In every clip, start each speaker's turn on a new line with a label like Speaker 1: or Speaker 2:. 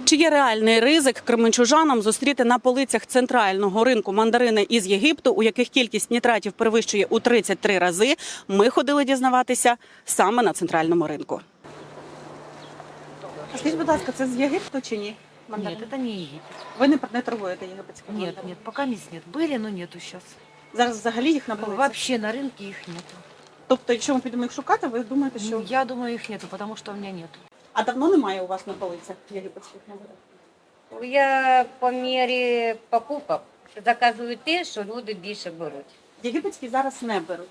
Speaker 1: Чи є реальний ризик кременчужанам зустріти на полицях центрального ринку мандарини із Єгипту, у яких кількість нітратів перевищує у 33 рази? Ми ходили дізнаватися саме на центральному ринку. А скажіть, будь ласка, це з Єгипту чи ні?
Speaker 2: Нет, это не Египет.
Speaker 1: Ви не торгуєте єгипетськими
Speaker 2: Нет,
Speaker 1: мандаринами?
Speaker 2: нет, пока мест нет. Были, но нету сейчас.
Speaker 1: Зараз взагалі їх на полицях?
Speaker 2: Вообще на рынке их нету.
Speaker 1: Тобто, якщо ми підемо їх шукати, ви думаєте, що...
Speaker 2: Я думаю, их нету, потому что у меня нету.
Speaker 1: А давно немає у вас на полицях єгипетських мандарин?
Speaker 3: Я по мірі покупок заказую те, що люди більше беруть.
Speaker 1: Єгипетські зараз не беруть.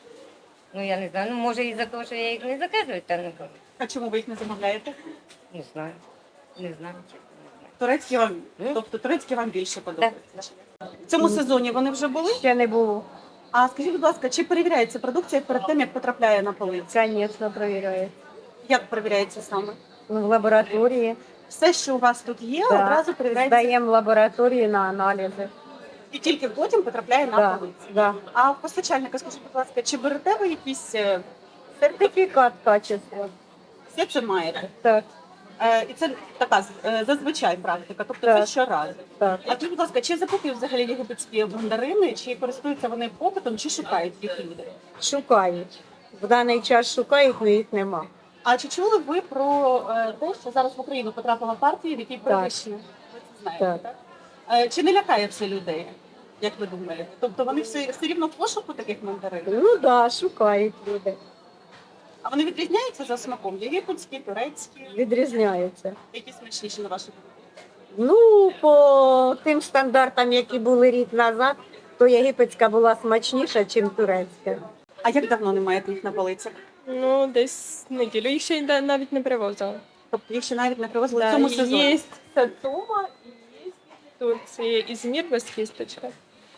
Speaker 3: Ну я не знаю, ну може із-за того, що я їх не заказую, та не беру.
Speaker 1: А чому ви їх не замовляєте?
Speaker 3: Не знаю. Не знаю, чесно, не знаю.
Speaker 1: Турецькі вам, тобто турецькі вам більше подобаються? В цьому сезоні вони вже були?
Speaker 4: Ще не було.
Speaker 1: А скажіть, будь ласка, чи перевіряється продукція перед тим, як потрапляє на полиці?
Speaker 4: Звісно, перевіряють.
Speaker 1: Як перевіряється саме?
Speaker 4: В лабораторії.
Speaker 1: Все, що у вас тут є,
Speaker 4: Да.
Speaker 1: одразу перевіряється
Speaker 4: Здаємо в лабораторії на аналізи.
Speaker 1: і тільки потім потрапляє на
Speaker 4: Да.
Speaker 1: полиці.
Speaker 4: Да.
Speaker 1: А в постачальника, скажіть, будь ласка, чи берете ви якісь
Speaker 4: Сертифікат качества.
Speaker 1: все це маєте?
Speaker 4: Так,
Speaker 1: І це така зазвичай практика, тобто
Speaker 4: Так.
Speaker 1: це щоразу.
Speaker 4: так.
Speaker 1: А скажіть, будь ласка, чи закуплюють взагалі єгипетські мандарини, чи користуються вони попитом, чи шукають їх люди?
Speaker 4: Шукають. В даний час шукають, але їх нема.
Speaker 1: А чи чули ви про те, що зараз в Україну потрапила партія, в якій перевищено? Ви це знаєте, так? Чи не лякає це людей, як ви думаєте? Тобто вони все рівно в пошуку таких мандарин?
Speaker 4: Ну так, да, шукають люди.
Speaker 1: А вони відрізняються за смаком? Єгипетські, турецькі?
Speaker 4: Відрізняються.
Speaker 1: Які смачніші на вашу думку?
Speaker 4: Ну, по тим стандартам, які були рік назад, то єгипетська була смачніша, ніж турецька.
Speaker 1: А як давно не маєте їх на полицях?
Speaker 5: Ну, десь неділю. Їх ще навіть не привозили.
Speaker 1: Тобто їх ще навіть не привезли в
Speaker 5: Да,
Speaker 1: цьому сезоні?
Speaker 5: є Сацума і є в Турції Ізмір без кісточки.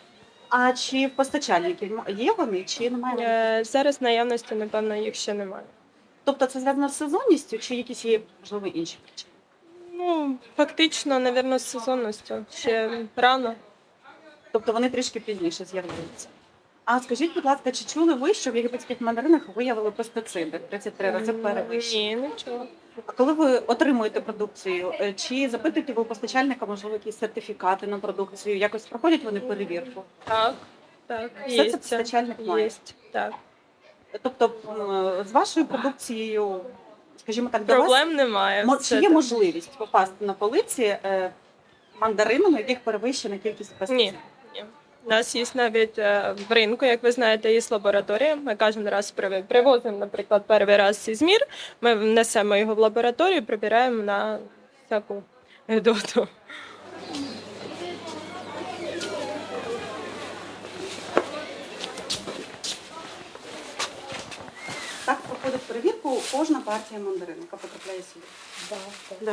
Speaker 1: А чи в постачальників є вони, чи немає?
Speaker 5: Зараз наявності, напевно, їх ще немає.
Speaker 1: Тобто це зв'язано з сезонністю, чи якісь є, можливо, інші причини?
Speaker 5: Ну, фактично, напевно, з сезонністю. Ще рано.
Speaker 1: Тобто вони трішки пізніше з'являються. А скажіть, будь ласка, чи чули ви, що в єгипетських мандаринах виявили пестициди 33 рази перевищені?
Speaker 5: Ні, нічого.
Speaker 1: А коли ви отримуєте продукцію, чи запитуєте ви у постачальника, можливо, якісь сертифікати на продукцію? Якось проходять вони перевірку?
Speaker 5: Так, так.
Speaker 1: Все
Speaker 5: є
Speaker 1: це постачальник має?
Speaker 5: Є, так.
Speaker 1: Тобто з вашою продукцією, скажімо так, до вас,
Speaker 5: Проблем немає.
Speaker 1: чи є можливість попасти на полиці мандаринами, в яких перевищена кількість пестицидів?
Speaker 5: Ні. У нас є навіть в ринку, як ви знаєте, є лабораторія. Ми кожен раз привозимо, наприклад, перший раз Ізмір, ми внесемо його в лабораторію, прибираємо на всяку гидоту.
Speaker 1: Так проходить перевірку кожна партія мандарин, яка потрапляє сюди. Да.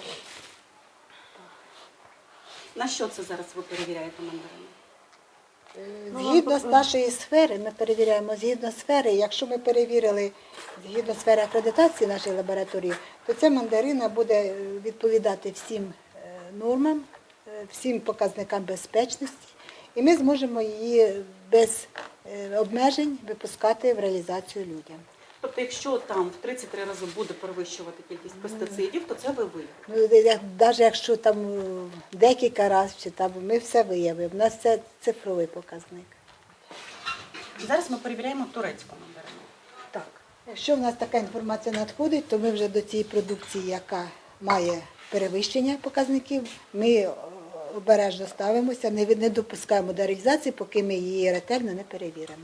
Speaker 1: На що це зараз ви перевіряєте мандарини?
Speaker 6: Згідно з нашої сфери, ми перевіряємо згідно сфери. Якщо ми перевірили згідно сфери акредитації нашої лабораторії, то ця мандарина буде відповідати всім нормам, всім показникам безпечності, і ми зможемо її без обмежень випускати в реалізацію людям.
Speaker 1: Тобто, якщо там в 33 рази буде перевищувати кількість пестицидів, то це ви виявите?
Speaker 6: Ну, навіть якщо там декілька разів, чи там, ми все виявимо. У нас це цифровий показник.
Speaker 1: Зараз ми перевіряємо турецьку мандарину.
Speaker 6: Так. Якщо в нас така інформація надходить, то ми вже до цієї продукції, яка має перевищення показників, ми обережно ставимося, не допускаємо до реалізації, поки ми її ретельно не перевіримо.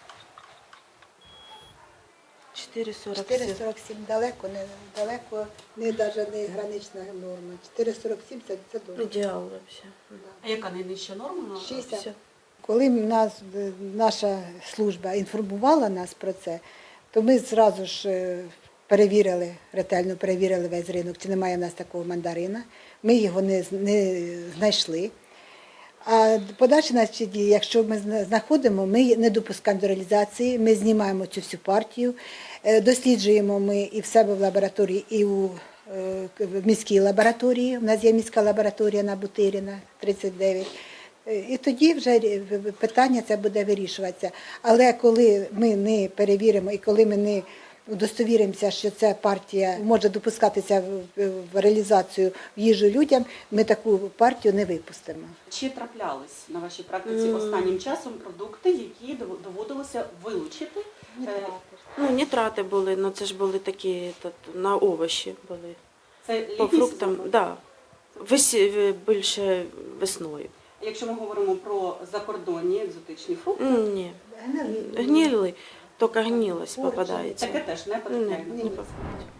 Speaker 6: 4,47 далеко, не гранична норма. 4,47 це добре.
Speaker 7: Ідеал взагалі.
Speaker 1: А яка найнижча норма?
Speaker 6: 60. Коли наша служба інформувала нас про це, то ми одразу ж ретельно перевірили весь ринок, чи немає в нас такого мандарина. Ми його не знайшли. А подальші наші дії, якщо ми знаходимо, ми не допускаємо до реалізації, ми знімаємо цю всю партію, досліджуємо ми і в себе в лабораторії, і в міській лабораторії. У нас є міська лабораторія на Бутиріна, 39. І тоді вже питання це буде вирішуватися. Але коли ми не перевіримо і коли ми не удостовіримося, що ця партія може допускатися в реалізацію в їжу людям, ми таку партію не випустимо.
Speaker 1: Чи траплялись на вашій практиці останнім часом продукти, які доводилося вилучити?
Speaker 7: Ну, нітрати були, ну це ж були такі на овочі були.
Speaker 1: Це
Speaker 7: По
Speaker 1: літній
Speaker 7: фруктам,
Speaker 1: сезон?
Speaker 7: да. Більше весною.
Speaker 1: Якщо ми говоримо про закордонні екзотичні фрукти,
Speaker 7: Ні. Гнили, тільки гнилость попадається.
Speaker 1: таке теж не
Speaker 7: Не
Speaker 1: потрапляє.
Speaker 7: попадається.